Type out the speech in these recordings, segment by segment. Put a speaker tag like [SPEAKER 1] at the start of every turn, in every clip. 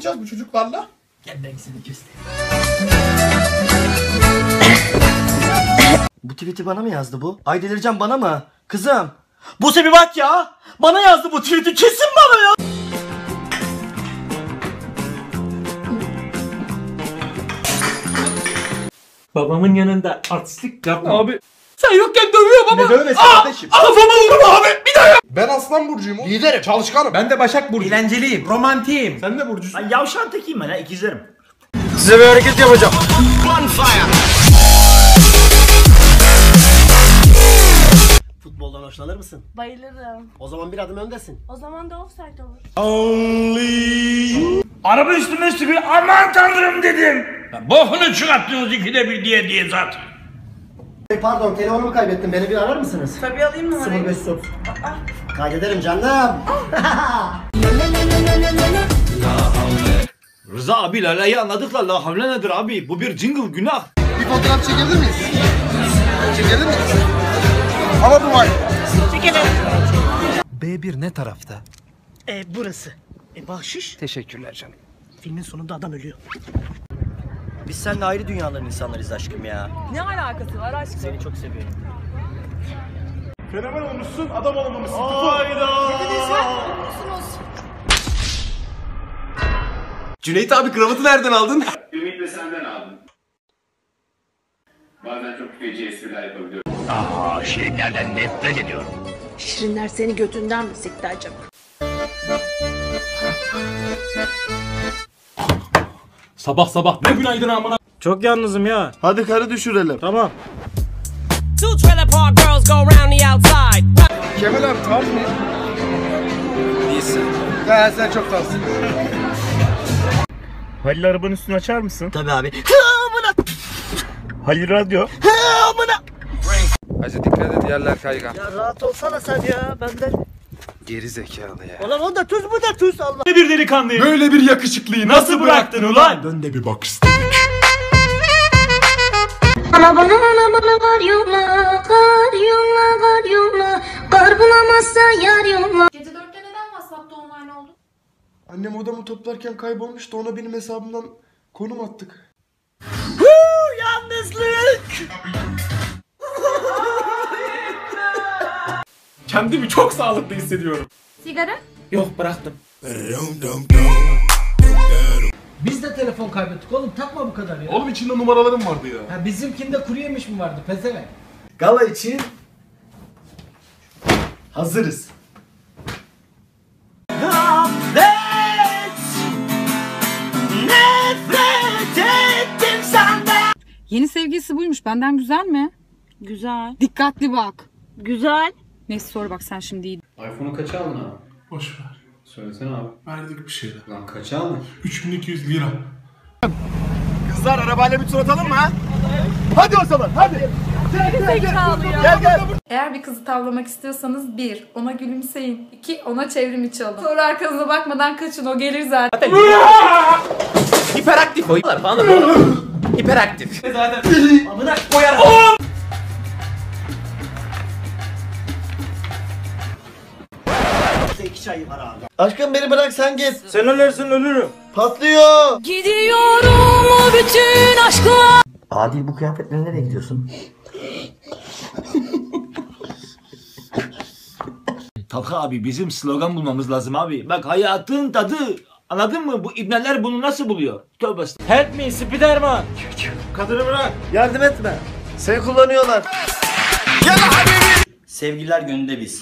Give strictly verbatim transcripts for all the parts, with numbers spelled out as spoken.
[SPEAKER 1] yapacağız bu çocuklarla?
[SPEAKER 2] Gel ben seni göstereyim. Bu tweet'i bana mı yazdı bu? Ay delireceğim, bana mı? Kızım. Buse bir bak ya. Bana yazdı bu tweet'i, kesin bana ya.
[SPEAKER 3] Babamın yanında artistlik yapma.
[SPEAKER 1] Abi.
[SPEAKER 3] Sen yokken dövüyorum ama.
[SPEAKER 2] Ne dövmesi kardeşim?
[SPEAKER 3] Kafama vurma abi. Bir daha yap.
[SPEAKER 1] Ben Aslan Burcu'yum.
[SPEAKER 2] Liderim.
[SPEAKER 1] Çalışkanım. Ben de Başak Burcu.
[SPEAKER 3] Eğlenceliyim, romantiyim.
[SPEAKER 1] Sen de Burcu'sun.
[SPEAKER 2] Ay yavşan tekiyim ben ha, ikizlerim.
[SPEAKER 3] Size bir hareket yapacağım.
[SPEAKER 2] Futboldan hoşlanır mısın?
[SPEAKER 4] Bayılırım.
[SPEAKER 2] O zaman bir adım öndesin.
[SPEAKER 4] O zaman da offside olur.
[SPEAKER 3] Araba üstüme sürüyor. Aman tanrım dedim. Bokunu çıkarttınız ikide bir diye diye zaten.
[SPEAKER 2] Pardon, telefonumu kaybettim. Beni bir arar mısınız?
[SPEAKER 4] Tabii alayım mı?
[SPEAKER 2] sıfır beş otuz. Kaydederim canım.
[SPEAKER 5] Rıza abi Lala'yı anladık la, la havle nedir abi? Bu bir jingle, günah.
[SPEAKER 1] Bir fotoğraf çekebilir miyiz? Çekebilir miyiz? Ama bu var.
[SPEAKER 4] Çekelim.
[SPEAKER 6] B bir ne tarafta?
[SPEAKER 2] E burası. E bahşiş.
[SPEAKER 6] Teşekkürler canım.
[SPEAKER 2] Filmin sonunda adam ölüyor. Biz seninle ayrı dünyaların insanlarıyız aşkım ya.
[SPEAKER 4] Ne alakası var aşkım?
[SPEAKER 2] Seni çok seviyorum.
[SPEAKER 1] Fenomen olmuşsun, adam olmamışsın.
[SPEAKER 6] Cüneyt abi kravatı nereden aldın?
[SPEAKER 7] Ümit de senden aldım. Bazen çok feci espriler yapabiliyorum.
[SPEAKER 4] Şirinler seni götünden mi sikti acaba?
[SPEAKER 3] Sabah sabah ne günaydın amına. Çok yalnızım ya.
[SPEAKER 2] Hadi karı düşürelim.
[SPEAKER 3] Tamam.
[SPEAKER 8] Two trailer park girls go round the outside.
[SPEAKER 1] Kemal abi tamam mı?
[SPEAKER 6] Değilsin.
[SPEAKER 1] He sen çok tatlısın.
[SPEAKER 3] Halil arabanın üstünü açar mısın?
[SPEAKER 2] Tabii abi.
[SPEAKER 3] Halil radyo.
[SPEAKER 6] Hacı dikkat et, yerler kaygan.
[SPEAKER 2] Ya rahat olsana sen ya, benden.
[SPEAKER 6] Geri zekalı ya.
[SPEAKER 2] Ulan o da tuz, bu da tuz, Allah.
[SPEAKER 3] Ne bir delikanlıyım.
[SPEAKER 1] Böyle bir yakışıklıyı
[SPEAKER 3] Nasıl bıraktın ulan?
[SPEAKER 1] Dön de bir bak istedim.
[SPEAKER 4] Ana bana ana bana kar yolla, kar yolla, kar yolla. Kar bulamazsa yar yolla. Gece dörtte neden WhatsApp'ta online oldun?
[SPEAKER 1] Annem odamı toplarken kaybolmuş da ona benim hesabımdan konum attık.
[SPEAKER 2] Yalnızlık.
[SPEAKER 1] Kendimi çok sağlıklı hissediyorum.
[SPEAKER 4] Sigara?
[SPEAKER 3] Yok bıraktım.
[SPEAKER 9] Biz de telefon kaybettik oğlum, takma bu kadar ya.
[SPEAKER 1] Oğlum içinde numaralarım vardı ya.
[SPEAKER 9] Ha, bizimkinde kuru yemiş mi vardı pezevenk?
[SPEAKER 2] Gala için hazırız.
[SPEAKER 10] Yeni sevgilisi buymuş. Benden güzel mi?
[SPEAKER 4] Güzel.
[SPEAKER 10] Dikkatli bak.
[SPEAKER 4] Güzel.
[SPEAKER 10] Neyse sor bak, sen şimdi iyi.
[SPEAKER 7] iPhone'u kaça aldın abi?
[SPEAKER 1] Boş ver.
[SPEAKER 7] Söylesene abi.
[SPEAKER 1] Verdik bir şeyler.
[SPEAKER 7] Lan kaça aldın?
[SPEAKER 1] üç bin iki yüz lira.
[SPEAKER 2] Kızlar arabayla bir tur atalım mı ha? Hadi o zaman, hadi.
[SPEAKER 4] Zekalı ya.
[SPEAKER 2] Gel gel.
[SPEAKER 10] Eğer bir kızı tavlamak istiyorsanız bir, ona gülümseyin. iki, ona çevrim içi alın. Sonra arkanıza bakmadan kaçın, o gelir zaten.
[SPEAKER 6] Hiperaktif oyunlar falan da hiperaktif.
[SPEAKER 3] Zaten amına koyarım.
[SPEAKER 2] İki çayı var abi. Aşkım beni bırak, sen git.
[SPEAKER 3] Sen ölürsün, ölürüm.
[SPEAKER 2] Patlıyor.
[SPEAKER 8] Gidiyorum o bütün aşkla.
[SPEAKER 2] Adil, bu kıyafetle nereye gidiyorsun?
[SPEAKER 5] Talha abi, bizim slogan bulmamız lazım abi. Bak, hayatın tadı. Anladın mı? Bu ibneler bunu nasıl buluyor? Tövbe estağfurullah.
[SPEAKER 3] Help me Spiderman.
[SPEAKER 2] Kadını bırak. Yardım etme. Seni kullanıyorlar. Gel habibi. Sevgililer gününde biz.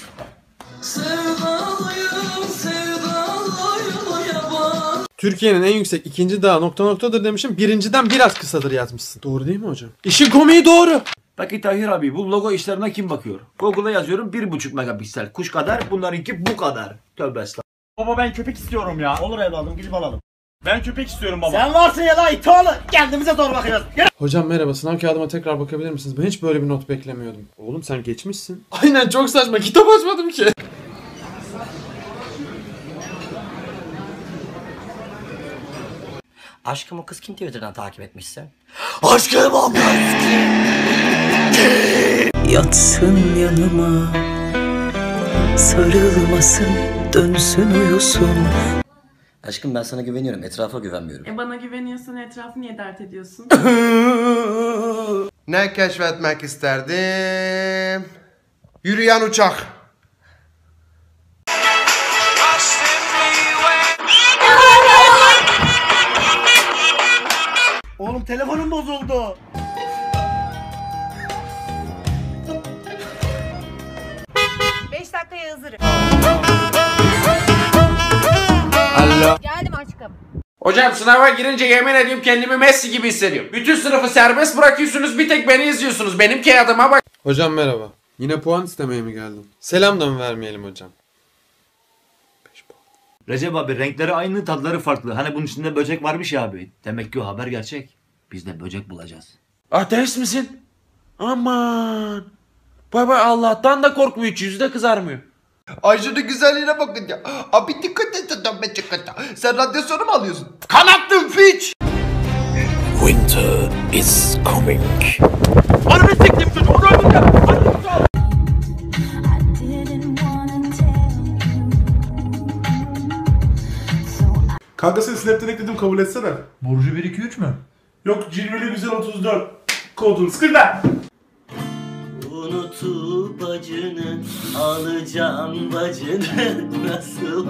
[SPEAKER 11] Türkiye'nin en yüksek ikinci dağı nokta noktadır demişim. Birinciden biraz kısadır yazmışsın. Doğru değil mi hocam? İşin komiği doğru.
[SPEAKER 5] Peki Tahir abi, bu logo işlerine kim bakıyor? Google'a yazıyorum bir buçuk megapiksel. Kuş kadar, bunlarınki bu kadar. Tövbe estağfurullah.
[SPEAKER 3] Baba ben köpek istiyorum ya.
[SPEAKER 2] Olur evladım, gidip alalım.
[SPEAKER 3] Ben köpek istiyorum baba.
[SPEAKER 2] Sen varsın ya la itoğlu. Kendimize zor bakacağız. Gel.
[SPEAKER 11] Hocam merhaba, sınav kağıdıma tekrar bakabilir misiniz? Ben hiç böyle bir not beklemiyordum. Oğlum sen geçmişsin. Aynen, çok saçma, kitap açmadım ki.
[SPEAKER 2] Aşkım, o kız kim Twitter'dan takip etmişsin? Aşkım o kız kim?
[SPEAKER 8] Yatsın yanıma, sarılmasın, dönsün uyusun.
[SPEAKER 2] Aşkım ben sana güveniyorum. Etrafa güvenmiyorum.
[SPEAKER 12] E bana güveniyorsan etrafı niye dert ediyorsun?
[SPEAKER 1] Ne keşfetmek isterdim? Yürüyen uçak.
[SPEAKER 2] Oğlum telefonum bozuldu.
[SPEAKER 13] beş dakikaya hazırım.
[SPEAKER 6] Alo.
[SPEAKER 13] Geldim aşkım.
[SPEAKER 6] Hocam sınava girince yemin ediyorum kendimi Messi gibi hissediyorum. Bütün sınıfı serbest bırakıyorsunuz, bir tek beni izliyorsunuz. Benim kağıdıma bak.
[SPEAKER 11] Hocam merhaba. Yine puan istemeye mi geldin? Selam da mı vermeyelim hocam?
[SPEAKER 5] Recep abi renkleri aynı, tadları farklı. Hani bunun içinde böcek varmış ya abi. Demek ki o haber gerçek. Biz de böcek bulacağız.
[SPEAKER 6] Ateist misin? Aman. Baba Allah'tan da korkmuyor, hiç yüzü de kızarmıyor.
[SPEAKER 1] Ay şunun güzelliğine bakın ya. Abi dikkat et adam be çıkart. Sen radyasyonu mu alıyorsun? Kanattın piç.
[SPEAKER 14] Winter is coming.
[SPEAKER 3] Ananı siktim çocuğu, onu öldüreceğim.
[SPEAKER 15] Kanka seni Snap'ten ekledim, kabul etsene.
[SPEAKER 16] Burcu bir iki üç mü?
[SPEAKER 15] Yok, cilveli güzel otuz dört. Kodun sıkırla.
[SPEAKER 2] Unutup acını alacağım bacını nasıl?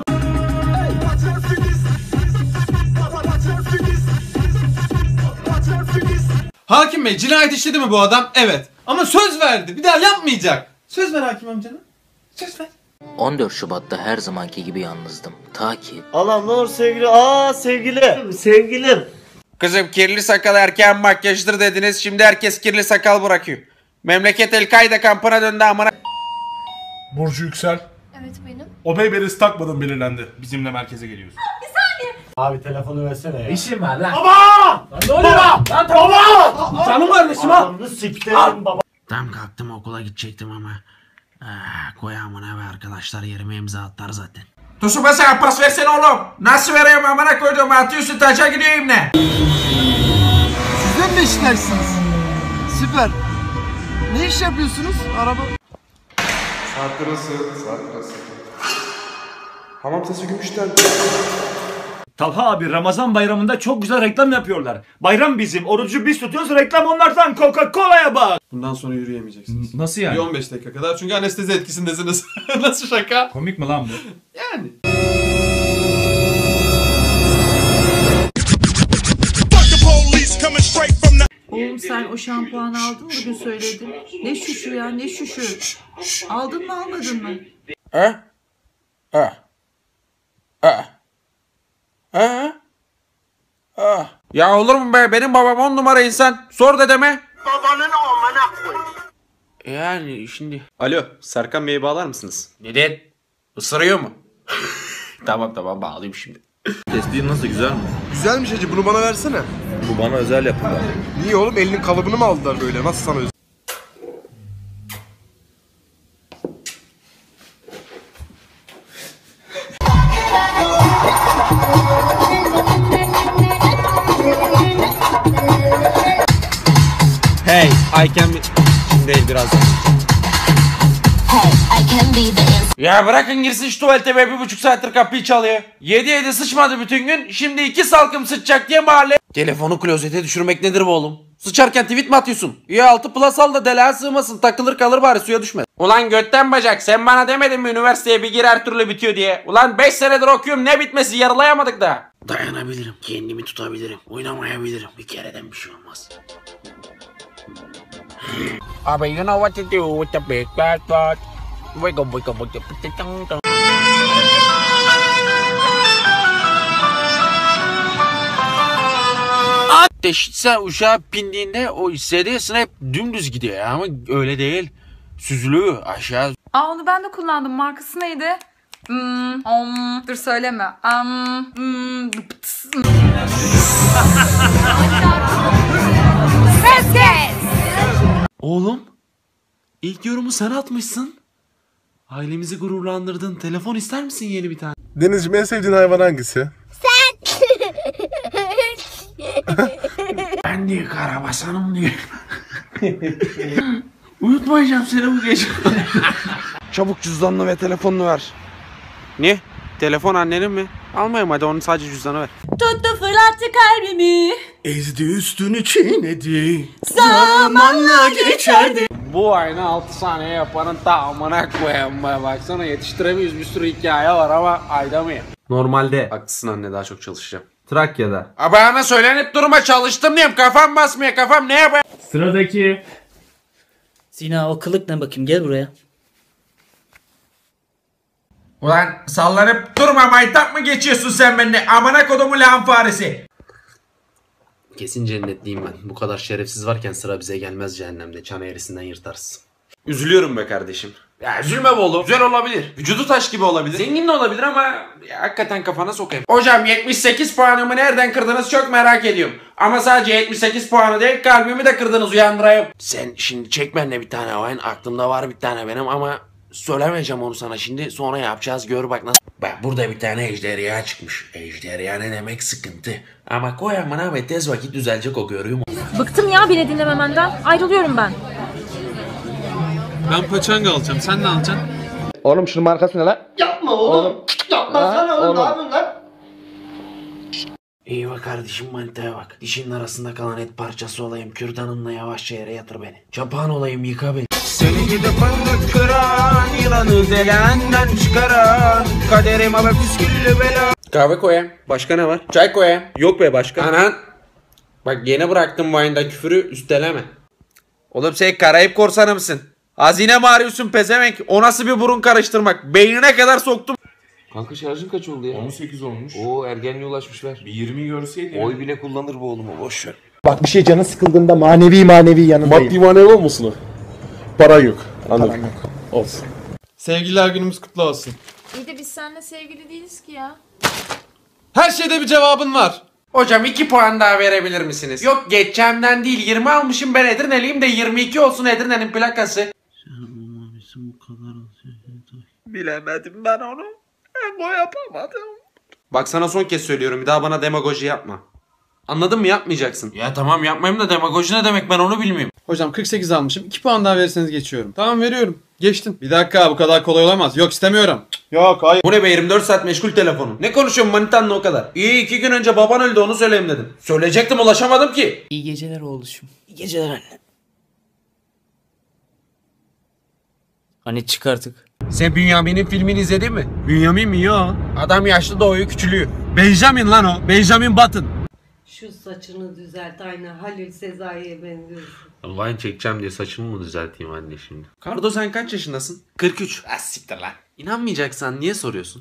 [SPEAKER 11] Hakim Bey, cinayet işledi mi bu adam? Evet. Ama söz verdi. Bir daha yapmayacak. Söz ver hakim amcana. Söz ver.
[SPEAKER 17] on dört Şubat'ta her zamanki gibi yalnızdım. Ta ki...
[SPEAKER 2] Allah'ım ne olur sevgili. Aa sevgilim. Sevgilim.
[SPEAKER 6] Kızım kirli sakal erkeğin makyajdır dediniz, şimdi herkes kirli sakal bırakıyor. Memleket El-Kaide kampına döndü amına.
[SPEAKER 15] Burcu Yüksel.
[SPEAKER 13] Evet benim.
[SPEAKER 15] O Beyberesi takmadın belirlendi. Bizimle merkeze geliyorsun.
[SPEAKER 13] Bir saniye.
[SPEAKER 9] Abi telefonu versene ya.
[SPEAKER 16] İşim var lan.
[SPEAKER 15] Baba!
[SPEAKER 16] Lan ne oluyor lan? Lan baba! Canım kardeşim ha.
[SPEAKER 2] Adamını siktirin baba.
[SPEAKER 18] Tam kalktım okula gidecektim ama. Ah, koyamına ve arkadaşlar yerime imza attılar zaten.
[SPEAKER 6] Tosuba sana pas versene oğlum. Nasıl vereyim amına koyduğum, atıyorsun taça gideyim ne?
[SPEAKER 1] Sizden mi işlersiniz? Süper. Ne iş yapıyorsunuz? Araba. Saat lirası, saat lirası. Hamam sesi gümüşten.
[SPEAKER 5] Talha abi Ramazan bayramında çok güzel reklam yapıyorlar. Bayram bizim, orucu biz tutuyoruz, reklam onlardan. Coca-Cola'ya bak.
[SPEAKER 11] Bundan sonra yürüyemeyeceksiniz.
[SPEAKER 16] Nasıl yani?
[SPEAKER 11] Bir on beş dakika kadar, çünkü anestezi etkisindesiniz. Nasıl şaka?
[SPEAKER 16] Komik mi lan bu?
[SPEAKER 11] Yani.
[SPEAKER 12] Oğlum sen o şampuanı aldın mı bugün söyledin? Ne şuşu ya ne şuşu? Aldın mı almadın mı?
[SPEAKER 6] Ha? Ha? Ha? Ha? Ha? Ya olur mu be, benim babam on numara insan. Sor dedeme.
[SPEAKER 1] Babanın amına koy.
[SPEAKER 6] Yani şimdi.
[SPEAKER 11] Alo, Serkan Bey'i bağlar mısınız?
[SPEAKER 6] Neden? Isırıyor mu? Tamam tamam bağlayayım şimdi.
[SPEAKER 1] Testiğin nasıl, güzel mi? Güzelmiş hacı, bunu bana versene.
[SPEAKER 14] Bu bana özel yapımlar.
[SPEAKER 1] Niye oğlum, elinin kalıbını mı aldılar böyle? Nasıl sana özel?
[SPEAKER 11] Hey, I can be... Şimdi değil, birazdan.
[SPEAKER 6] Ya bırakın girsin şu tuvalete be, bir buçuk saattir kapıyı çalıyor. Yedi yedi sıçmadı bütün gün, şimdi iki salkım sıçacak diye mahalle. Telefonu klozete düşürmek nedir bu oğlum? Sıçarken tweet mi atıyorsun? İyi altı plus al da deliğe sığmasın, takılır kalır bari, suya düşmez. Ulan götten bacak, sen bana demedin mi üniversiteye bir gir her türlü bitiyor diye? Ulan beş senedir okuyorum, ne bitmesi, yarılayamadık da.
[SPEAKER 18] Dayanabilirim, kendimi tutabilirim, oynamayabilirim. Bir kereden bir şey olmaz.
[SPEAKER 6] Abi you know what to do with the big bad bird. Wiggle wiggle wiggle wiggle. Sen uşağa bindiğinde o hissediyorsun, hep dümdüz gidiyor ama öyle değil. Süzülüyor aşağı.
[SPEAKER 10] Aa onu ben de kullandım. Markası neydi? Hmm, om, dur söyleme. Um, hmm, pıts.
[SPEAKER 13] Ses kes.
[SPEAKER 11] Oğlum, ilk yorumu sen atmışsın. Ailemizi gururlandırdın. Telefon ister misin yeni bir tane?
[SPEAKER 15] Denizciğim, en sevdiğin hayvan hangisi?
[SPEAKER 18] Ben diye karabasanım diye. Uyutmayacağım seni bu gece.
[SPEAKER 6] Çabuk cüzdanını ve telefonunu ver. Ne? Telefon annenin mi? Almayayım hadi, onun sadece cüzdanı ver.
[SPEAKER 12] Tuttu fırlattı kalbimi.
[SPEAKER 2] Ezdi üstünü çiğnedi.
[SPEAKER 12] Zamanla geçerdi.
[SPEAKER 6] Bu aynı altı saniye yapanın tamamına koyayım be. Baksana yetiştiremiyoruz, bir sürü hikaye var ama ayda mı ya? Normalde. Haklısın anne, daha çok çalışacağım.
[SPEAKER 11] Trakya'da.
[SPEAKER 6] Abi ana söylenip durma, çalıştım diyeyim, kafam basmıyor, kafam ne yapayım?
[SPEAKER 15] Sıradaki.
[SPEAKER 2] Sina o kılık ne bakayım, gel buraya.
[SPEAKER 6] Ulan sallanıp durma, maytap mı geçiyorsun sen benimle? Amına kodumu lağım faresi. Kesin cennetliyim ben. Bu kadar şerefsiz varken sıra bize gelmez cehennemde. Çan eğrisinden yırtarsın. Üzülüyorum be kardeşim. Ya üzülme be oğlum. Güzel olabilir. Vücudu taş gibi olabilir. Zengin de olabilir ama ya, hakikaten kafana sokayım. Hocam yetmiş sekiz puanımı nereden kırdınız çok merak ediyorum. Ama sadece yetmiş sekiz puanı değil, kalbimi de kırdınız, uyandırayım. Sen şimdi çek benimle bir tane oyun. Aklımda var bir tane benim ama söylemeyeceğim onu sana şimdi. Sonra yapacağız, gör bak nasıl. Bak burada bir tane ejderha çıkmış. Ejderha ne demek, sıkıntı. Ama koy amına ve tez vakit düzelecek o, görüyor musun?
[SPEAKER 19] Bıktım ya beni dinlememenden. Ayrılıyorum ben.
[SPEAKER 11] Ben paçanga alacağım. Sen ne alacaksın?
[SPEAKER 20] Oğlum şunun markası ne lan?
[SPEAKER 2] Yapma oğlum. oğlum. Yapma
[SPEAKER 20] Ha,
[SPEAKER 2] sana oğlum.
[SPEAKER 20] oğlum.
[SPEAKER 2] Ne yapıyorsun lan?
[SPEAKER 6] İyi bak kardeşim, manitaya bak. Dişinin arasında kalan et parçası olayım. Kürdanınla yavaşça yere yatır beni. Çapağın olayım, yıka beni. Seni gidip fındık kıran, yılanı zelenden çıkaran, kaderim ama püsküllü bela. Kahve koyayım. Başka ne var? Çay koyayım. Yok be başka. Anan. Bak yeni bıraktım bu ayında küfürü, üsteleme. Oğlum sen Karayip korsanı mısın? Hazine mi arıyorsun pezevenk? O nasıl bir burun karıştırmak? Beynine kadar soktum. Kanka şarjın kaç oldu ya?
[SPEAKER 7] on sekiz olmuş.
[SPEAKER 6] Oo ergenliğe ulaşmış, ver.
[SPEAKER 7] Bir yirmi görseydi.
[SPEAKER 6] Oy bile kullanır bu oğlumu, boş ver.
[SPEAKER 20] Bak bir şey canı sıkıldığında manevi manevi yanındayım.
[SPEAKER 15] Maddi manevi olmasın o. Para yok. Anladım. Olsun.
[SPEAKER 11] Sevgililer günümüz kutlu olsun.
[SPEAKER 10] İyi de biz seninle sevgili değiliz ki ya.
[SPEAKER 11] Her şeyde bir cevabın var.
[SPEAKER 6] Hocam iki puan daha verebilir misiniz? Yok geçeceğimden değil, yirmi almışım ben, Edirne'liyim de yirmi iki olsun Edirne'nin plakası. Bilemedim ben onu. Ben o yapamadım. Bak sana son kez söylüyorum, bir daha bana demagoji yapma. Anladın mı, yapmayacaksın. Ya tamam yapmayayım da demagoji ne demek, ben onu bilmiyorum.
[SPEAKER 11] Hocam kırk sekiz almışım. iki puan daha verirseniz geçiyorum. Tamam veriyorum. Geçtin. Bir dakika, bu kadar kolay olamaz. Yok istemiyorum. Yok hayır.
[SPEAKER 6] Bu ne be, yirmi dört saat meşgul telefonum. Ne konuşuyorsun manitanla o kadar? İyi, iki gün önce baban öldü, onu söyleyeyim dedim. Söyleyecektim, ulaşamadım ki.
[SPEAKER 2] İyi geceler oğluşum. İyi geceler anne. Hani çık artık.
[SPEAKER 6] Sen Bünyamin'in filmini izledin mi?
[SPEAKER 11] Bünyamin mi ya?
[SPEAKER 6] Adam yaşlı doğuyor, küçülüyor.
[SPEAKER 11] Benjamin lan o. Benjamin Button.
[SPEAKER 21] Şu saçını düzelt, aynı Halil Sezai'ye benziyorsun.
[SPEAKER 6] Vine çekeceğim diye saçımı mı düzelteyim anne şimdi? Kardo sen kaç yaşındasın? kırk üç. Ah siktir lan. İnanmayacaksan niye soruyorsun?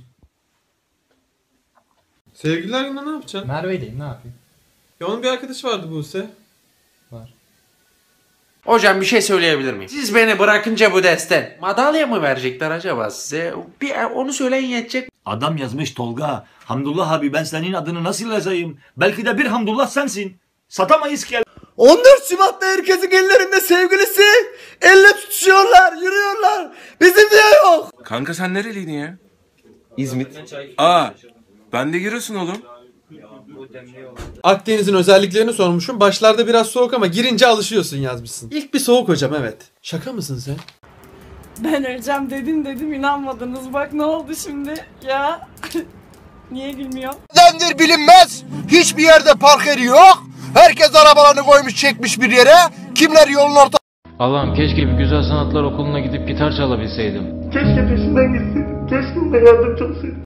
[SPEAKER 11] Sevgililer gününde ne yapacaksın?
[SPEAKER 9] Merve'deyim, ne yapayım?
[SPEAKER 11] Ya onun bir arkadaşı vardı Buse.
[SPEAKER 9] Var.
[SPEAKER 6] Hocam bir şey söyleyebilir miyim? Siz beni bırakınca bu desten madalya mı verecekler acaba size? Bir onu söyleyin yetecek.
[SPEAKER 5] Adam yazmış Tolga. Hamdullah abi, ben senin adını nasıl yazayım? Belki de bir Hamdullah sensin. Satamayız ki.
[SPEAKER 2] on dört Şubat'ta herkesin ellerinde sevgilisi. Elle tutuşuyorlar, yürüyorlar. Bizim diye yok.
[SPEAKER 22] Kanka sen nereliydin ya?
[SPEAKER 20] İzmit.
[SPEAKER 22] Aa, ben de Giresun oğlum.
[SPEAKER 11] Akdeniz'in özelliklerini sormuşum. Başlarda biraz soğuk ama girince alışıyorsun yazmışsın. İlk bir soğuk hocam, evet. Şaka mısın sen?
[SPEAKER 12] Ben öleceğim dedim dedim inanmadınız. Bak ne oldu şimdi ya. Niye gülmüyor?
[SPEAKER 1] Nedendir bilinmez. Hiçbir yerde park yeri yok. Herkes arabalarını koymuş çekmiş bir yere. Kimler yolun orta...
[SPEAKER 23] Allah'ım keşke bir güzel sanatlar okuluna gidip gitar çalabilseydim.
[SPEAKER 15] Keşke peşinden gitseydim. Keşke ona yardımcı olsaydım.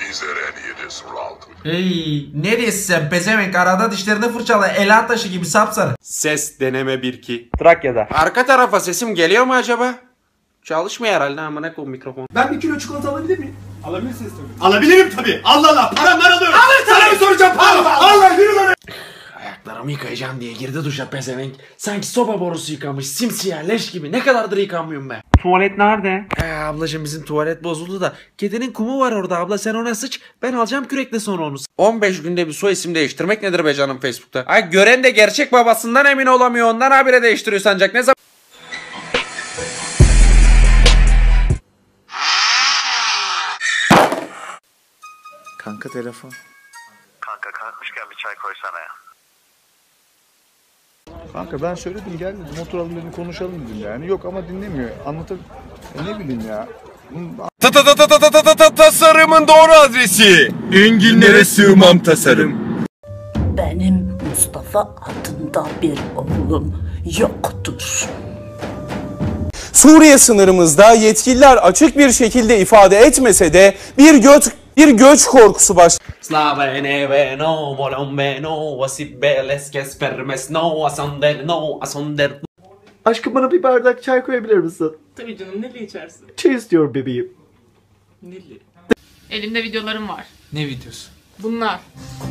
[SPEAKER 6] Hey ne diyorsun sen pezevenk, arada dişlerini fırçala, ela taşı gibi sapsarı. Ses deneme bir iki.
[SPEAKER 20] Trakya'da.
[SPEAKER 6] Arka tarafa sesim geliyor mu acaba? Çalışmıyor herhalde, amına koyayım mikrofon.
[SPEAKER 9] Ben bir kilo çikolata alabilir miyim?
[SPEAKER 15] Alabilirsiniz tabii.
[SPEAKER 9] Alabilirim tabii. Allah Allah. Param var alıyorum. Sana mı soracağım param? Allah yürü lan.
[SPEAKER 6] Ayaklarımı yıkayacağım diye girdi duşa pezevenk. Sanki soba borusu yıkamış, simsiyah leş gibi. Ne kadardır yıkanmıyorum ben.
[SPEAKER 20] Tuvalet nerede?
[SPEAKER 6] Ee, ablacığım bizim tuvalet bozuldu da kedinin kumu var orada abla, sen ona sıç, ben alacağım kürekle sonra onu. on beş günde bir soy isim değiştirmek nedir be canım Facebook'ta? Ay gören de gerçek babasından emin olamıyor, ondan habire değiştiriyor sancak, ne zaman?
[SPEAKER 20] Kanka telefon.
[SPEAKER 24] Kanka kalkmışken bir çay koysana ya.
[SPEAKER 20] Kanka ben söyledim gel dedim, oturalım dedim, konuşalım dedim yani. Yok ama dinlemiyor. Anlatabiliyor. E ne bileyim ya.
[SPEAKER 14] Ta ta ta ta ta ta ta ta ta tasarımın doğru adresi. Enginlere sığmam tasarım.
[SPEAKER 3] Benim Mustafa adında bir oğlum yoktur.
[SPEAKER 4] Suriye sınırımızda yetkililer açık bir şekilde ifade etmese de bir göç bir göç korkusu baş.
[SPEAKER 2] Aşkım bana bir bardak çay koyabilir misin?
[SPEAKER 12] Tabii canım, neli içersin?
[SPEAKER 2] Çay istiyorum bebeğim.
[SPEAKER 12] Neli.
[SPEAKER 10] Elimde videolarım var.
[SPEAKER 11] Ne videosu?
[SPEAKER 10] Bunlar.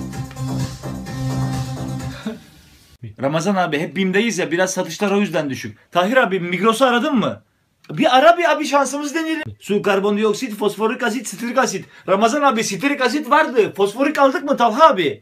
[SPEAKER 5] Ramazan abi hep BİM'deyiz ya, biraz satışlar o yüzden düşük. Tahir abi Migros'u aradın mı? Bir ara bir abi, şansımız deneyelim. Su, karbondioksit, fosforik asit, sitrik asit. Ramazan abi sitrik asit vardı. Fosforik aldık mı Talha abi?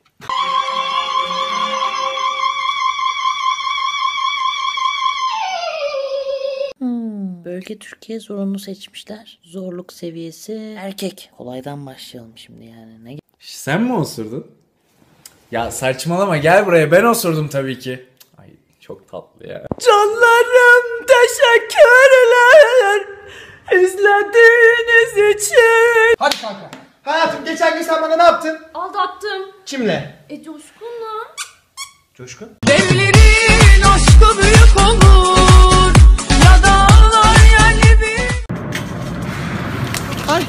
[SPEAKER 3] Hmm, bölge Türkiye zorunlu seçmişler. Zorluk seviyesi erkek. Kolaydan başlayalım şimdi yani. Ne?
[SPEAKER 11] Sen mi osurdun? Ya saçmalama, gel buraya, ben osurdum tabii ki. Ay çok tatlı ya.
[SPEAKER 2] Canlarım teşekkürler izlediğiniz için.
[SPEAKER 1] Hadi kanka. Hayatım geçen gün sen bana ne yaptın?
[SPEAKER 10] Aldattım.
[SPEAKER 1] Kimle?
[SPEAKER 10] E Coşkun'la.
[SPEAKER 1] Coşkun?
[SPEAKER 12] Devlerin aşkı büyük olur. Ya dağlar yerli bir.
[SPEAKER 1] Ay.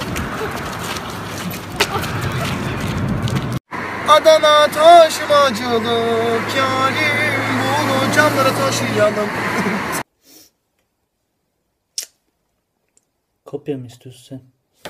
[SPEAKER 1] Adana taşımacılık yarim, bunu camlara taşıyalım.
[SPEAKER 2] Kopya mı istiyorsun sen?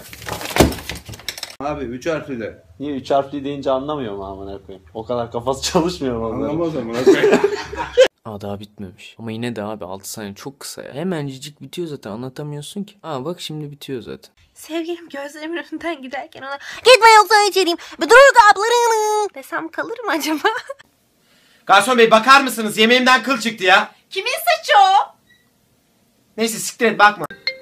[SPEAKER 20] Abi üç harfliler.
[SPEAKER 8] Niye üç harfli deyince anlamıyor mu amına koyayım? O kadar kafası çalışmıyor mu onların?
[SPEAKER 20] Anlamaz ama.
[SPEAKER 17] Aa daha bitmemiş. Ama yine de abi altı saniye çok kısa ya. Hemencik bitiyor zaten, anlatamıyorsun ki. Aa bak şimdi bitiyor zaten.
[SPEAKER 13] Sevgilim gözlerimin önünden giderken ona gitme yoksa içeriyim bir dur kaplarını desem kalır mı acaba?
[SPEAKER 1] Garson bey bakar mısınız? Yemeğimden kıl çıktı ya.
[SPEAKER 13] Kimin saçı o?
[SPEAKER 1] Neyse siktir et, bakma.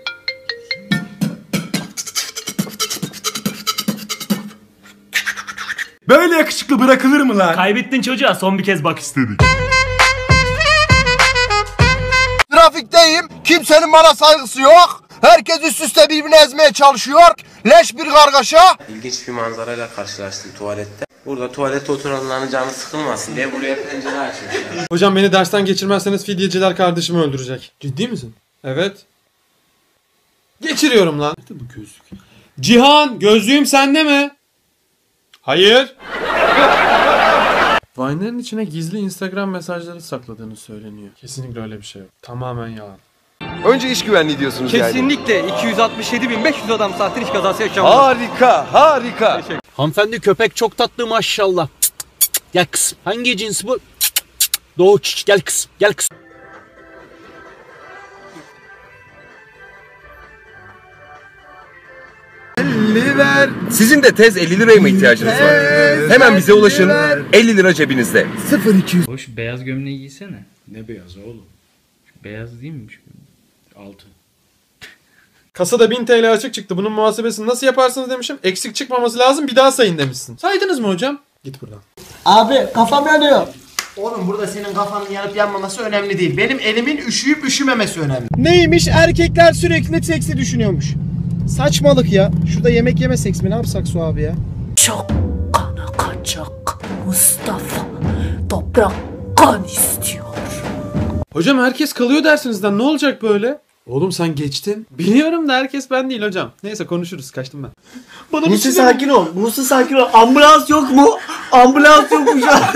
[SPEAKER 9] Böyle yakışıklı bırakılır mı lan?
[SPEAKER 15] Kaybettin çocuğa, son bir kez bak istedik.
[SPEAKER 1] Trafikteyim. Kimsenin bana saygısı yok. Herkes üst üste birbirini ezmeye çalışıyor. Leş bir kargaşa.
[SPEAKER 25] İlginç bir manzarayla karşılaştım tuvalette. Burada tuvalette oturanların canı sıkılmasın diye buraya pencere açmışlar.
[SPEAKER 11] Hocam beni dersten geçirmezseniz fidyeciler kardeşimi öldürecek. Ciddi misin? Evet. Geçiriyorum lan. Nerede bu gözlük? Cihan, gözlüğüm sende mi? Hayır. Vine'lerin içine gizli Instagram mesajları sakladığını söyleniyor. Kesinlikle öyle bir şey yok. Tamamen yalan.
[SPEAKER 14] Önce iş güvenliği diyorsunuz yani.
[SPEAKER 26] Kesinlikle iki yüz altmış yedi bin beş yüz adam saattir iş kazası yaşanmadı.
[SPEAKER 14] Harika, harika.
[SPEAKER 18] Hanımefendi köpek çok tatlı maşallah. Cık cık cık. Gel kızım. Hangi cins bu? Cık cık cık. Doğuç. Gel kızım. Gel kızım.
[SPEAKER 14] elli ver. Sizin de tez elli liraya mı ihtiyacınız var? Hemen bize ulaşın. elli lira cebinizde.
[SPEAKER 1] sıfır iki yüz.
[SPEAKER 23] Hoş beyaz gömleği giysene. Ne beyaz oğlum? Beyaz değil miymiş? Altı.
[SPEAKER 11] Kasada bin TL açık çıktı. Bunun muhasebesini nasıl yaparsınız demişim. Eksik çıkmaması lazım, bir daha sayın demişsin. Saydınız mı hocam? Git buradan.
[SPEAKER 2] Abi kafam yanıyor. Oğlum burada senin kafanın yanıp yanmaması önemli değil. Benim elimin üşüyüp üşümemesi önemli.
[SPEAKER 1] Neymiş? Erkekler sürekli seksi düşünüyormuş. Saçmalık ya. Şurada yemek yeme seks mi? Ne yapsak Su abi ya?
[SPEAKER 3] Çok kan akacak Mustafa. Toprak kan istiyor.
[SPEAKER 11] Hocam herkes kalıyor dersinizden, ne olacak böyle? Oğlum sen geçtin. Biliyorum da herkes ben değil hocam. Neyse konuşuruz, kaçtım ben.
[SPEAKER 2] Bana Buse sakin ol. Buse sakin ol. Ambulans yok mu? Ambulans yok mu şu an?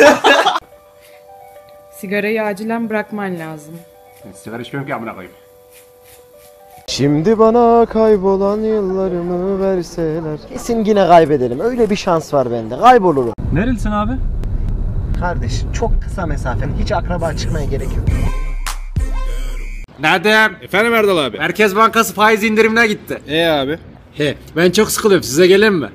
[SPEAKER 27] Sigarayı acilen bırakman lazım.
[SPEAKER 15] Sigara içmiyorum ki amına koyayım.
[SPEAKER 20] Şimdi bana kaybolan yıllarımı verseler. Kesin yine kaybederim. Öyle bir şans var bende. Kaybolurum.
[SPEAKER 15] Nerelisin abi?
[SPEAKER 2] Kardeş çok kısa mesafen. Hiç akraba çıkmaya gerek yok.
[SPEAKER 26] Nerede?
[SPEAKER 15] Efendim Erdal abi.
[SPEAKER 26] Merkez Bankası faiz indirimine gitti.
[SPEAKER 15] E abi.
[SPEAKER 26] He, ben çok sıkılıyorum. Size gelin mi?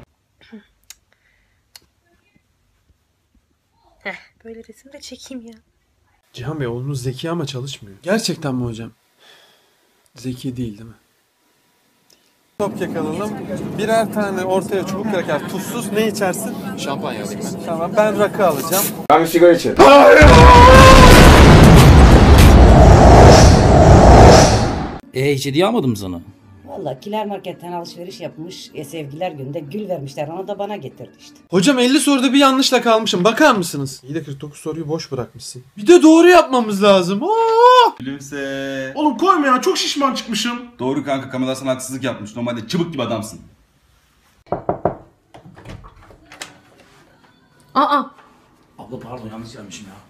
[SPEAKER 13] Heh, böyle resim de çekeyim ya.
[SPEAKER 11] Cihan Bey oğlunuz zeki ama çalışmıyor. Gerçekten mi hocam? Zeki değil değil mi? Top yakalalım. Birer tane ortaya çubuk kraker. Tuzsuz ne içersin?
[SPEAKER 14] Şampanya alayım ben.
[SPEAKER 11] Tamam ben rakı alacağım.
[SPEAKER 14] Ben bir sigara içerim.
[SPEAKER 18] E hiç hediye almadım sana.
[SPEAKER 6] Valla Kiler Market'ten alışveriş yapmış. E, sevgiler günde gül vermişler. Ona da bana getirdi işte.
[SPEAKER 11] Hocam elli soruda bir yanlışla kalmışım. Bakar mısınız? İyi de kırk dokuz soruyu boş bırakmışsın. Bir de doğru yapmamız lazım. Aa!
[SPEAKER 15] Gülümse. Oğlum koyma ya, çok şişman çıkmışım. Doğru kanka, Kamila sana haksızlık yapmış. Normalde çıbık gibi adamsın.
[SPEAKER 12] Aa.
[SPEAKER 5] Abla pardon, yanlış gelmişim ya.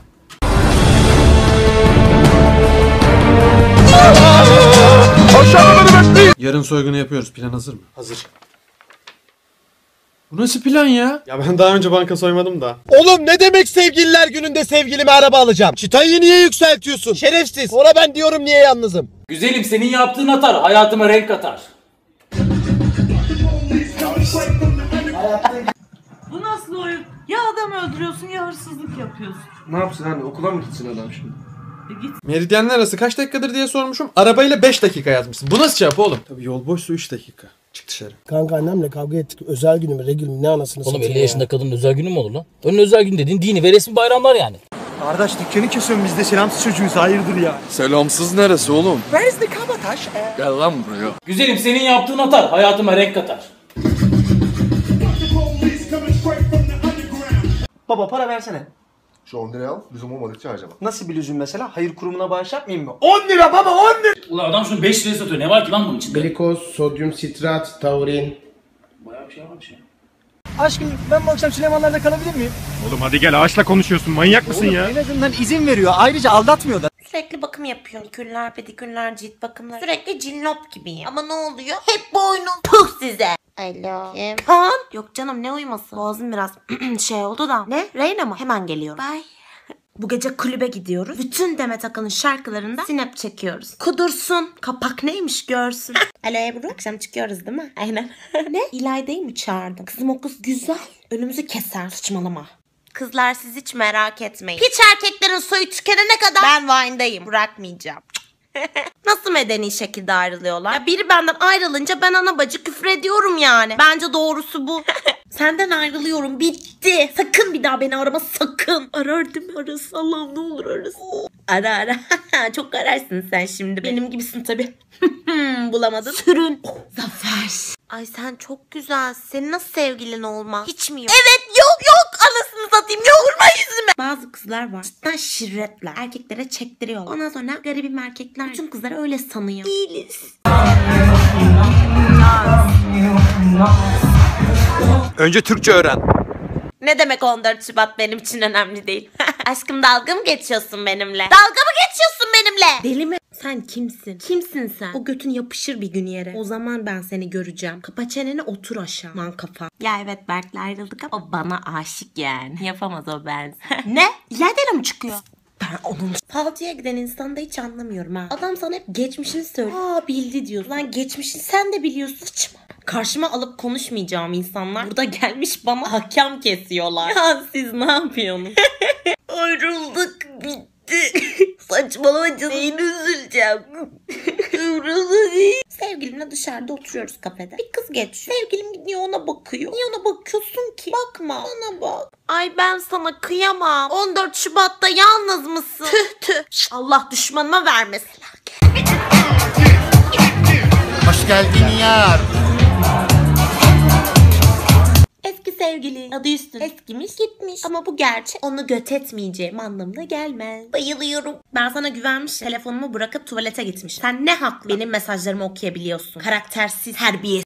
[SPEAKER 11] Yarın soygunu yapıyoruz. Plan hazır mı? Hazır. Bu nasıl plan ya? Ya ben daha önce banka soymadım da.
[SPEAKER 1] Oğlum ne demek sevgililer gününde sevgilime araba alacağım? Çıtayı niye yükseltiyorsun? Şerefsiz. Ona ben diyorum niye yalnızım?
[SPEAKER 18] Güzelim, senin yaptığın atar, hayatıma renk katar.
[SPEAKER 12] Bu nasıl oyun? Ya adam öldürüyorsun ya hırsızlık yapıyorsun.
[SPEAKER 11] Ne yapsın hani, okula mı gitsin adam şimdi? E git. Meridyenler arası kaç dakikadır diye sormuşum. Arabayla beş dakika yazmışsın. Bu nasıl cevap oğlum? Tabii yol boşsa üç dakika. Çık dışarı.
[SPEAKER 1] Kanka annemle kavga ettik. Özel günü mü, regül mü, ne anasını
[SPEAKER 7] Oğlum elli yaşında kadının özel günü mü olur lan? Onun özel gün dediğin dini ve resmi bayramlar yani.
[SPEAKER 2] Kardeş dükkanı kesiyorum, biz de selamsız çocuğuyuz, hayırdır ya.
[SPEAKER 14] Selamsız neresi oğlum?
[SPEAKER 2] Where's the kabataş?
[SPEAKER 14] Gel lan buraya.
[SPEAKER 18] Güzelim, senin yaptığın atar, hayatıma renk katar.
[SPEAKER 2] Baba para versene.
[SPEAKER 1] Şu on lirayı al. Lüzum olmadıkça harcama.
[SPEAKER 2] Nasıl bir lüzum mesela? Hayır kurumuna bağış yapmayayım mı? on lira baba, on lira!
[SPEAKER 5] Ulan adam şunu beş liraya satıyor. Ne var ki lan bunun içinde?
[SPEAKER 1] Glikoz, sodyum sitrat, taurin.
[SPEAKER 5] Bayağı bir şey varmış ya.
[SPEAKER 2] Aşkım ben bu akşam Süleymanlar'da kalabilir miyim?
[SPEAKER 15] Oğlum hadi gel, ağaçla konuşuyorsun. Manyak mısın
[SPEAKER 2] Oğlum,
[SPEAKER 15] ya?
[SPEAKER 2] en azından izin veriyor. Ayrıca aldatmıyor da.
[SPEAKER 13] Sürekli bakım yapıyor. Nikürler, pedikürler, cilt bakımları. Sürekli cillop gibiyim. Ama ne oluyor? Hep boynum. Puh size. Alo. Kim? Kaan. Yok canım, ne uyuması? Boğazım biraz şey oldu da. Ne? Reyna mı? Hemen geliyorum. Bye. Bu gece kulübe gidiyoruz. Bütün Demet Akalın şarkılarında sinep çekiyoruz. Kudursun. Kapak neymiş görsün. Alo Ebru. Akşam çıkıyoruz değil mi? Aynen. Ne? İlayda'yı mı çağırdın? Kızım o kız güzel. Önümüzü keser. Saçmalama. Kızlar siz hiç merak etmeyin. Hiç erkeklerin soyu tükenene kadar ben Vine'dayım. Bırakmayacağım. Nasıl medeni şekilde ayrılıyorlar? Ya biri benden ayrılınca ben ana bacı küfür ediyorum yani. Bence doğrusu bu. Senden ayrılıyorum, bitti. Sakın bir daha beni arama, sakın. Arar değil mi? Arasın, Allah'ım ne olur arasın. Ara ara. Çok ararsın sen şimdi. Benim gibisin tabii. Bulamadın. Sürün. Zafer. Ay sen çok güzelsin. Senin nasıl sevgilin olmaz? Hiç mi yok? Evet yok yok. Anasını satayım. Yok vurma yüzüme. Bazı kızlar var. Cidden şirretler. Erkeklere çektiriyorlar. Ondan sonra garibim erkekler bütün kızları öyle sanıyor. Değiliz.
[SPEAKER 14] Önce Türkçe öğren.
[SPEAKER 13] Ne demek on dört Şubat benim için önemli değil. Aşkım dalga mı geçiyorsun benimle? Dalga mı geçiyorsun benimle? Deli mi? Sen kimsin? Kimsin sen? O götün yapışır bir gün yere. O zaman ben seni göreceğim. Kapa çeneni, otur aşağı. Man kafa. Ya evet Berk'le ayrıldık ama o bana aşık yani. Yapamaz o ben. Ne? İlayda'yla mı çıkıyor? Ben onun falcıya giden insanda hiç anlamıyorum ha. Adam sana hep geçmişini söylüyor. Aa bildi diyor. Lan geçmişini sen de biliyorsun. Saçma. Karşıma alıp konuşmayacağım insanlar burada gelmiş bana hakem kesiyorlar. Ya siz ne yapıyorsunuz? Ayrıldık, bitti. Saçmalama canım. Neyini üzüleceğim? Sevgilimle dışarıda oturuyoruz kafede. Bir kız geçiyor. Sevgilim gidiyor ona bakıyor. Niye ona bakıyorsun ki? Bakma. Ona bak. Ay ben sana kıyamam. on dört Şubat'ta yalnız mısın? Tüh tüh. Allah düşmanıma vermesin.
[SPEAKER 1] Hoş geldin yar.
[SPEAKER 13] Eski sevgili adı üstüne eskimiş gitmiş. Ama bu gerçek, onu göt etmeyeceğim anlamına gelmez. Bayılıyorum. Ben sana güvenmiş, telefonumu bırakıp tuvalete gitmiş. Sen ne haklı benim mesajlarımı okuyabiliyorsun? Karaktersiz, terbiyesiz.